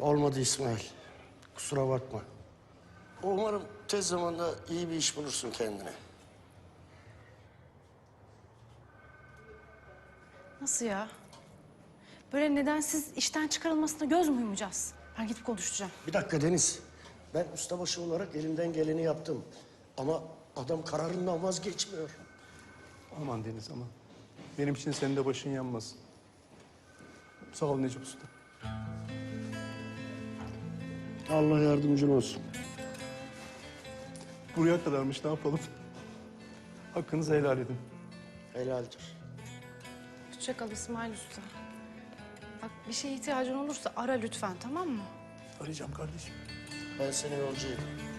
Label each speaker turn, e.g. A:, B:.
A: Olmadı İsmail. Kusura bakma. Umarım tez zamanda iyi bir iş bulursun kendine.
B: Nasıl ya? Böyle nedensiz işten çıkarılmasına göz mü yumacağız? Ben gidip konuşacağım.
A: Bir dakika Deniz. Ben ustabaşı olarak elimden geleni yaptım. Ama adam kararından vazgeçmiyor.
C: Aman Deniz aman. Benim için senin de başın yanmasın. Sağ ol Necip Usta.
A: Allah yardımcın olsun.
C: Buraya kadarmış, ne yapalım? Hakkınızı helal edin.
A: Helaldir.
B: Hoşça kal İsmail Usta. Bak bir şeye ihtiyacın olursa ara lütfen, tamam mı?
C: Arayacağım kardeşim.
A: Ben seni yolcu edeyim.